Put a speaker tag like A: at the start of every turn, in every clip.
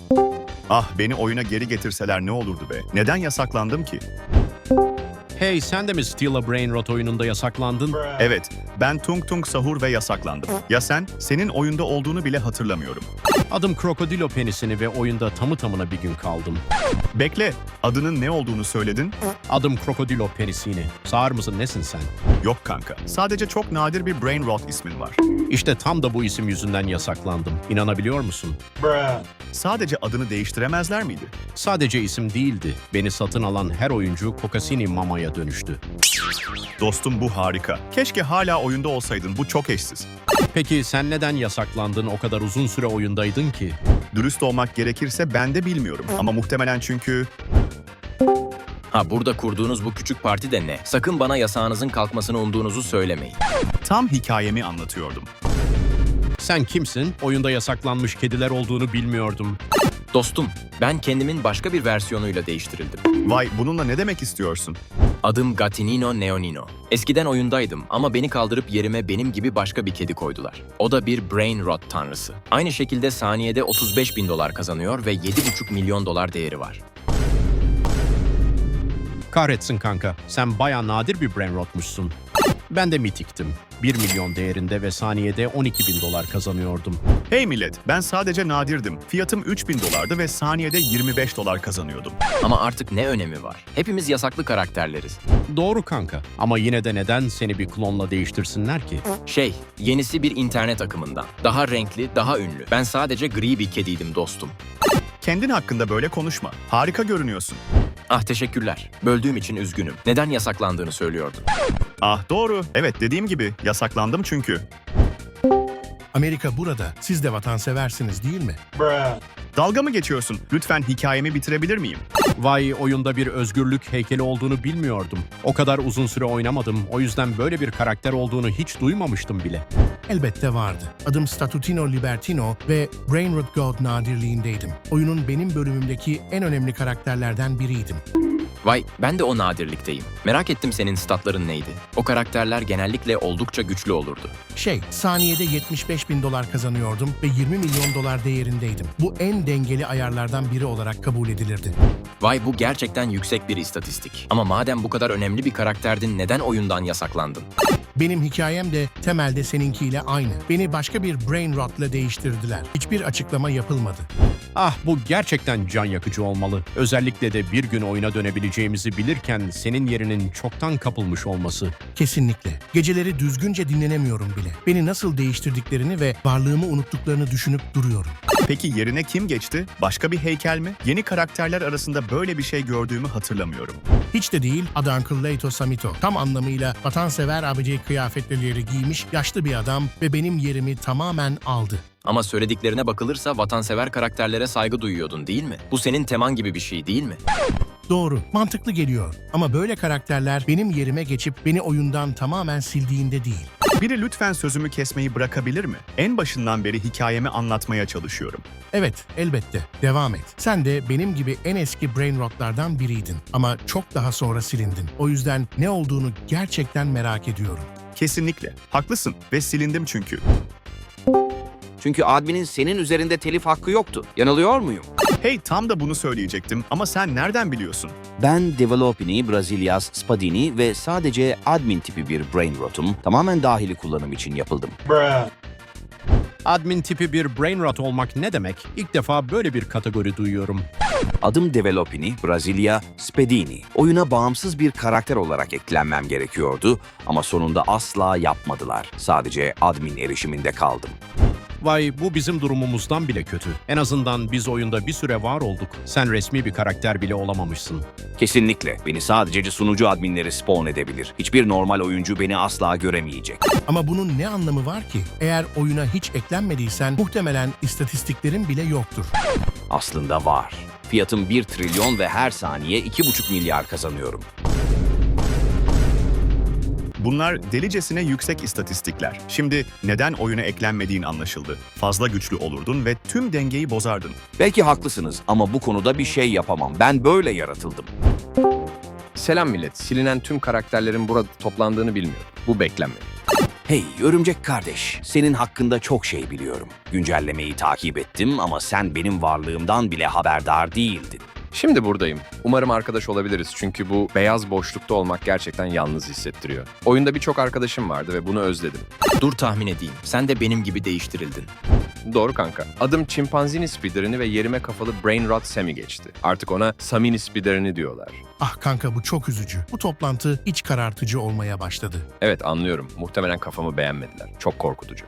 A: Ah, beni oyuna geri getirseler ne olurdu be? Neden yasaklandım ki?
B: Hey, sen de mi Steal a Brain Rot oyununda yasaklandın?
A: Evet, ben Tung Tung Sahur ve yasaklandım. Ya sen? Senin oyunda olduğunu bile hatırlamıyorum.
B: Adım Krokodilo Penisini ve oyunda tamı tamına bir gün kaldım.
A: Bekle, adının ne olduğunu söyledin?
B: Adım Krokodilo Penisini. Sağır mısın, nesin sen?
A: Yok kanka, sadece çok nadir bir brain rot ismin var.
B: İşte tam da bu isim yüzünden yasaklandım. İnanabiliyor musun?
A: Sadece adını değiştiremezler miydi?
B: Sadece isim değildi. Beni satın alan her oyuncu Kokasini Mama'ya dönüştü.
A: Dostum, bu harika. Keşke hala oyunda olsaydın, bu çok eşsiz.
B: Peki sen neden yasaklandın, o kadar uzun süre oyundaydın ki?
A: Dürüst olmak gerekirse ben de bilmiyorum. Ama muhtemelen çünkü...
C: Ha, burada kurduğunuz bu küçük parti de ne? Sakın bana yasağınızın kalkmasını umduğunuzu söylemeyin.
A: Tam hikayemi anlatıyordum.
B: Sen kimsin? Oyunda yasaklanmış kediler olduğunu bilmiyordum.
C: Dostum, ben kendimin başka bir versiyonuyla değiştirildim.
A: Vay, bununla ne demek istiyorsun?
C: Adım Gatinino Neonino. Eskiden oyundaydım ama beni kaldırıp yerime benim gibi başka bir kedi koydular. O da bir brain rot tanrısı. Aynı şekilde saniyede 35 bin dolar kazanıyor ve 7,5 milyon dolar değeri var.
B: Kahretsin kanka, sen bayağı nadir bir brain rotmuşsun. Ben de mitiktim. 1 milyon değerinde ve saniyede 12 bin dolar kazanıyordum.
A: Hey millet, ben sadece nadirdim. Fiyatım 3000 dolardı ve saniyede 25 dolar kazanıyordum.
C: Ama artık ne önemi var? Hepimiz yasaklı karakterleriz.
B: Doğru kanka, ama yine de neden seni bir klonla değiştirsinler ki?
C: Yenisi bir internet akımından. Daha renkli, daha ünlü. Ben sadece gri bir kediydim dostum.
A: Kendin hakkında böyle konuşma. Harika görünüyorsun.
C: Ah, teşekkürler. Böldüğüm için üzgünüm. Neden yasaklandığını söylüyordun.
A: Ah doğru. Evet, dediğim gibi yasaklandım çünkü.
D: Amerika burada. Siz de vatanseversiniz değil mi?
A: Dalga mı geçiyorsun? Lütfen hikayemi bitirebilir miyim?
B: Vay, oyunda bir özgürlük heykeli olduğunu bilmiyordum. O kadar uzun süre oynamadım, o yüzden böyle bir karakter olduğunu hiç duymamıştım bile.
D: Elbette vardı. Adım Statutino Libertino ve Brain Rot God nadirliğindeydim. Oyunun benim bölümümdeki en önemli karakterlerden biriydim.
C: Vay, ben de o nadirlikteyim. Merak ettim, senin statların neydi? O karakterler genellikle oldukça güçlü olurdu.
D: Saniyede 75 bin dolar kazanıyordum ve 20 milyon dolar değerindeydim. Bu en dengeli ayarlardan biri olarak kabul edilirdi.
C: Vay, bu gerçekten yüksek bir istatistik. Ama madem bu kadar önemli bir karakterdin, neden oyundan yasaklandın?
D: Benim hikayem de temelde seninkiyle aynı. Beni başka bir Brain Rot'la değiştirdiler. Hiçbir açıklama yapılmadı.
B: Ah, bu gerçekten can yakıcı olmalı. Özellikle de bir gün oyuna dönebileceğimizi bilirken senin yerinin çoktan kapılmış olması.
D: Kesinlikle. Geceleri düzgünce dinlenemiyorum bile. Beni nasıl değiştirdiklerini ve varlığımı unuttuklarını düşünüp duruyorum.
A: Peki yerine kim geçti? Başka bir heykel mi? Yeni karakterler arasında böyle bir şey gördüğümü hatırlamıyorum.
D: Hiç de değil, adı Uncle Leito Samito. Tam anlamıyla vatansever abici kıyafetleri giymiş yaşlı bir adam ve benim yerimi tamamen aldı.
C: Ama söylediklerine bakılırsa vatansever karakterlere saygı duyuyordun, değil mi? Bu senin teman gibi bir şey değil mi?
D: Doğru, mantıklı geliyor. Ama böyle karakterler benim yerime geçip beni oyundan tamamen sildiğinde değil.
A: Biri lütfen sözümü kesmeyi bırakabilir mi? En başından beri hikayemi anlatmaya çalışıyorum.
D: Evet, elbette. Devam et. Sen de benim gibi en eski Brain Rot'lardan biriydin. Ama çok daha sonra silindin. O yüzden ne olduğunu gerçekten merak ediyorum.
A: Kesinlikle. Haklısın ve silindim çünkü.
E: Çünkü adminin senin üzerinde telif hakkı yoktu. Yanılıyor muyum?
A: Hey, tam da bunu söyleyecektim ama sen nereden biliyorsun?
E: Ben Developini, Brazilias, Spadini ve sadece admin tipi bir brain rotum. Tamamen dahili kullanım için yapıldım.
B: Admin tipi bir brain rot olmak ne demek? İlk defa böyle bir kategori duyuyorum.
E: Adım Developini, Brasilia, Spadini. Oyuna bağımsız bir karakter olarak eklenmem gerekiyordu ama sonunda asla yapmadılar. Sadece admin erişiminde kaldım.
B: Vay, bu bizim durumumuzdan bile kötü. En azından biz oyunda bir süre var olduk. Sen resmi bir karakter bile olamamışsın.
E: Kesinlikle. Beni sadece sunucu adminleri spawn edebilir. Hiçbir normal oyuncu beni asla göremeyecek.
D: Ama bunun ne anlamı var ki? Eğer oyuna hiç eklenmediysen muhtemelen istatistiklerin bile yoktur.
E: Aslında var. Fiyatım 1 trilyon ve her saniye 2,5 milyar kazanıyorum.
A: Bunlar delicesine yüksek istatistikler. Şimdi neden oyuna eklenmediğin anlaşıldı. Fazla güçlü olurdun ve tüm dengeyi bozardın.
E: Belki haklısınız ama bu konuda bir şey yapamam. Ben böyle yaratıldım.
F: Selam millet. Silinen tüm karakterlerin burada toplandığını bilmiyorum. Bu beklenmedi.
E: Hey örümcek kardeş, senin hakkında çok şey biliyorum. Güncellemeyi takip ettim ama sen benim varlığımdan bile haberdar değildin.
F: Şimdi buradayım. Umarım arkadaş olabiliriz çünkü bu beyaz boşlukta olmak gerçekten yalnız hissettiriyor. Oyunda birçok arkadaşım vardı ve bunu özledim.
C: Dur tahmin edeyim. Sen de benim gibi değiştirildin.
F: Doğru kanka. Adım Chimpanzini Spiderini ve yerime kafalı Brainrot Sammy geçti. Artık ona Samini Spiderini diyorlar.
D: Ah kanka bu çok üzücü. Bu toplantı iç karartıcı olmaya başladı.
F: Evet anlıyorum. Muhtemelen kafamı beğenmediler. Çok korkutucu.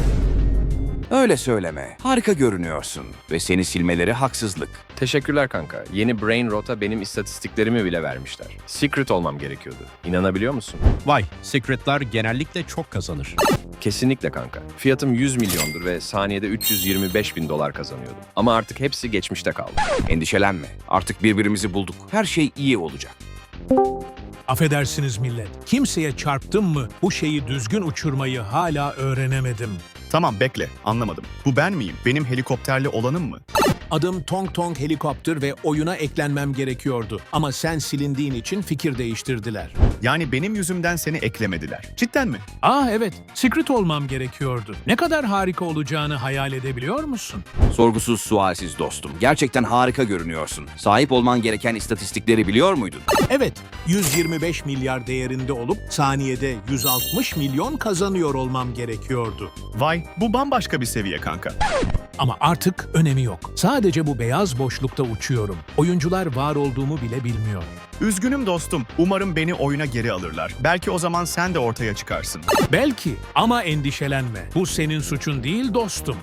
E: Öyle söyleme. Harika görünüyorsun ve seni silmeleri haksızlık.
F: Teşekkürler kanka. Yeni Brainrot'a benim istatistiklerimi bile vermişler. Secret olmam gerekiyordu. İnanabiliyor musun?
B: Vay, Secret'lar genellikle çok kazanır.
F: Kesinlikle kanka. Fiyatım 100 milyondur ve saniyede 325 bin dolar kazanıyordum. Ama artık hepsi geçmişte kaldı.
E: Endişelenme. Artık birbirimizi bulduk. Her şey iyi olacak.
G: Affedersiniz millet. Kimseye çarptım mı bu şeyi düzgün uçurmayı hala öğrenemedim.
A: Tamam bekle, anlamadım. Bu ben miyim? Benim helikopterli olanım mı?
G: Adım Tong Tong Helikopter ve oyuna eklenmem gerekiyordu. Ama sen silindiğin için fikir değiştirdiler.
A: Yani benim yüzümden seni eklemediler. Cidden mi?
G: Evet, Secret olmam gerekiyordu. Ne kadar harika olacağını hayal edebiliyor musun?
E: Sorgusuz sualsiz dostum. Gerçekten harika görünüyorsun. Sahip olman gereken istatistikleri biliyor muydun?
G: Evet, 125 milyar değerinde olup saniyede 160 milyon kazanıyor olmam gerekiyordu.
A: Vay, bu bambaşka bir seviye kanka.
G: Ama artık önemi yok. Sadece bu beyaz boşlukta uçuyorum. Oyuncular var olduğumu bile bilmiyor.
A: Üzgünüm dostum. Umarım beni oyuna geri alırlar. Belki o zaman sen de ortaya çıkarsın.
G: Belki ama endişelenme. Bu senin suçun değil dostum.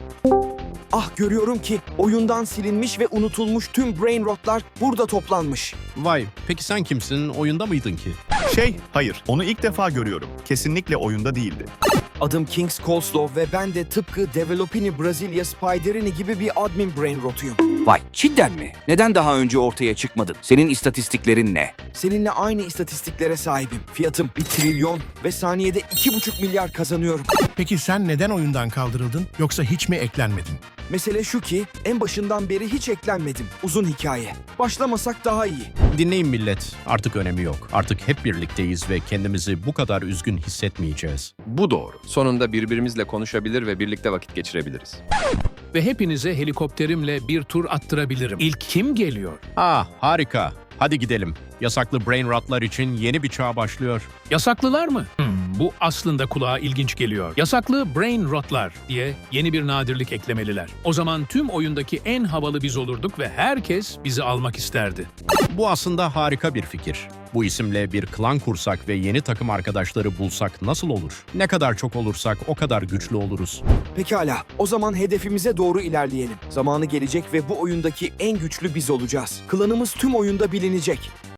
H: Ah görüyorum ki oyundan silinmiş ve unutulmuş tüm Brainrot'lar burada toplanmış.
B: Vay, peki sen kimsin? Oyunda mıydın ki?
A: Hayır. Onu ilk defa görüyorum. Kesinlikle oyunda değildi.
H: Adım Kings Coleslaw ve ben de tıpkı Developini Brasilia Spiderini gibi bir admin Brainrot'uyum.
E: Vay cidden mi? Neden daha önce ortaya çıkmadın? Senin istatistiklerin ne?
H: Seninle aynı istatistiklere sahibim. Fiyatım 1 trilyon ve saniyede 2,5 milyar kazanıyorum.
D: Peki sen neden oyundan kaldırıldın yoksa hiç mi eklenmedin?
H: Mesele şu ki en başından beri hiç eklenmedim. Uzun hikaye. Başlamasak daha iyi.
B: Dinleyin millet, artık önemi yok. Artık hep birlikteyiz ve kendimizi bu kadar üzgün hissetmeyeceğiz.
F: Bu doğru. Sonunda birbirimizle konuşabilir ve birlikte vakit geçirebiliriz.
G: Ve hepinize helikopterimle bir tur attırabilirim. İlk kim geliyor?
B: Harika. Hadi gidelim. Yasaklı Brainrot'lar için yeni bir çağ başlıyor.
G: Yasaklılar mı? Bu aslında kulağa ilginç geliyor. Yasaklı Brainrot'lar diye yeni bir nadirlik eklemeliler. O zaman tüm oyundaki en havalı biz olurduk ve herkes bizi almak isterdi.
B: Bu aslında harika bir fikir. Bu isimle bir klan kursak ve yeni takım arkadaşları bulsak nasıl olur? Ne kadar çok olursak o kadar güçlü oluruz.
H: Pekala, o zaman hedefimize doğru ilerleyelim. Zamanı gelecek ve bu oyundaki en güçlü biz olacağız. Klanımız tüm oyunda bilinecek.